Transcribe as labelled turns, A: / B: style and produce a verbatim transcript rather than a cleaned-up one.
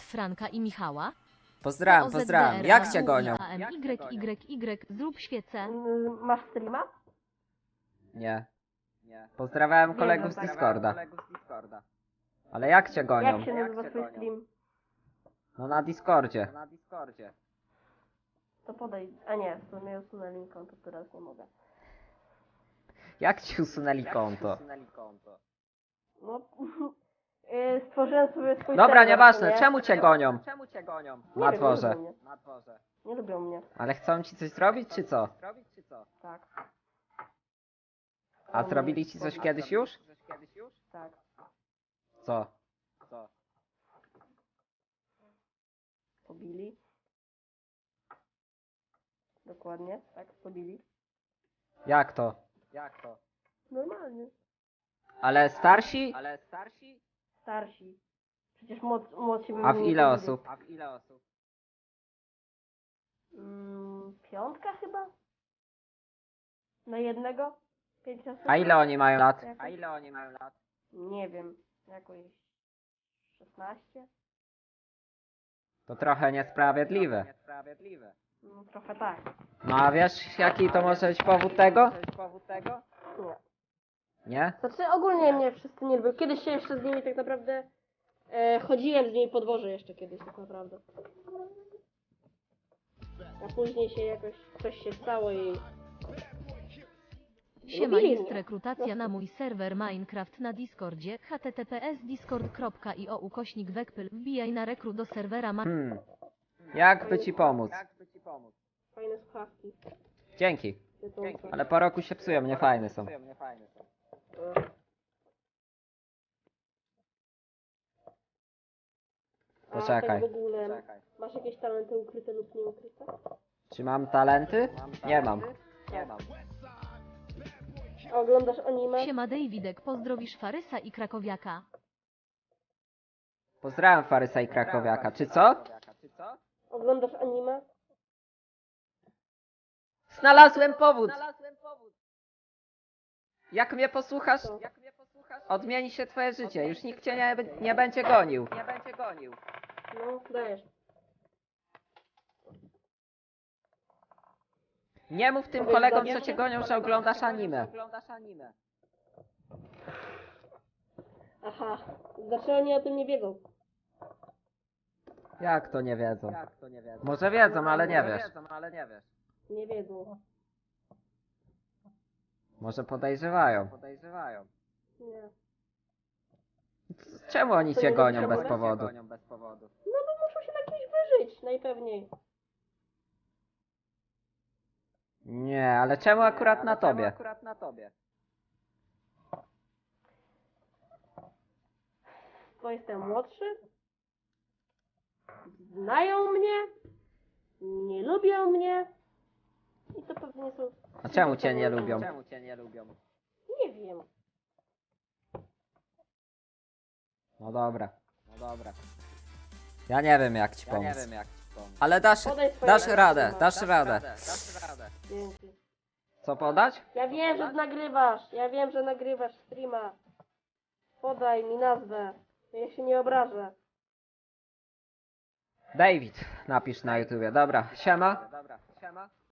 A: Franka i Michała?
B: Pozdrawiam, pozdrawiam. Jak cię gonią?
A: A M Y Y Y, zrób świecę.
C: Mm, Masz streama?
B: Nie. Pozdrawiam
C: Wiem,
B: kolegów
C: że
B: z
C: tak.
B: Discorda. Ale jak cię gonią?
C: Jak się nazywa twój stream?
B: No na Discordzie.
C: To podaj. A nie, w sumie usunęli konto, teraz nie mogę.
B: Jak ci usunęli konto?
C: No, yy, stworzyłem sobie swój
B: Dobra,
C: serwer,
B: nieważne.
C: nie?
B: Czemu cię gonią?
C: Nie
B: Na
C: wiem,
B: dworze.
C: Nie lubią mnie. Nie lubią mnie.
B: Ale chcą ci coś zrobić, czy co?
C: Tak,
B: A zrobili ci coś kiedyś już?
C: tak.
B: Co?
C: Pobili. Dokładnie, tak, pobili.
B: Jak to?
C: Normalnie.
B: Ale starsi?
C: Starsi. Przecież młod, młodsi by
B: A w
C: mnie nie
B: ile
C: pobili.
B: osób?
C: Mm, piątka chyba? Na jednego? Pięć osób?
B: A ile oni mają lat?
C: Jakoś? Nie wiem. Jakoś szesnaście?
B: To trochę niesprawiedliwe.
C: No, trochę tak.
B: No a wiesz jaki to może być powód tego?
C: Nie.
B: Nie?
C: Znaczy ogólnie mnie wszyscy nie lubią. Kiedyś się jeszcze z nimi tak naprawdę e, chodziłem z nimi po dworze jeszcze kiedyś tak naprawdę. A później się jakoś coś się stało i...
A: Siema,
C: Lubili
A: jest
C: mnie.
A: rekrutacja na mój serwer Minecraft na Discordzie. h t t p s discord kropka i o ukośnik wekpyl. Wbijaj na rekru do serwera ma...
B: Hmm. Jak by ci pomóc?
C: Fajne słuchawki.
B: Dzięki.
C: Tytuł.
B: Ale po roku się psują, nie fajne są.
C: A
B: Poczekaj.
C: tak w ogóle, masz jakieś talenty ukryte lub nieukryte?
B: Czy mam talenty? Nie mam.
C: A oglądasz anime?
A: Siema Davidek, pozdrowisz Farysa i Krakowiaka.
B: Pozdrawiam Farysa i Krakowiaka. Czy co?
C: Oglądasz anime?
B: Znalazłem powód! Jak mnie posłuchasz,
C: Co?
B: odmieni się twoje życie. Już nikt cię nie, nie będzie gonił.
C: No, dajesz.
B: Nie mów tym
C: Powiedz
B: kolegom,
C: do
B: co
C: mnie.
B: cię gonią, że oglądasz anime.
C: Aha, znaczy oni o tym nie wiedzą.
B: Jak to nie wiedzą? Może wiedzą, ale nie wiesz.
C: Nie wiedzą.
B: Może podejrzewają.
C: Nie.
B: Czemu oni
C: To
B: cię
C: nie
B: gonią
C: lubią
B: bez
C: cię
B: powodu?
C: No bo muszą się na kimś wyżyć, najpewniej.
B: Nie, ale czemu akurat na tobie?
C: Bo jestem młodszy. Znają mnie. Nie lubią mnie. I to pewnie są...
B: A czemu cię nie lubią?
C: Nie wiem.
B: No dobra. Ja nie wiem jak ci pomóc. Ale dasz,
C: Podaj swoje
B: dasz
C: rady,
B: radę,
C: Szymon.
B: dasz radę.
C: Dzięki.
B: Co podać?
C: Ja wiem, że nagrywasz. Ja wiem, że nagrywasz streama. Podaj mi nazwę. Ja się nie obrażę.
B: David, napisz na YouTubie. Dobra, siema.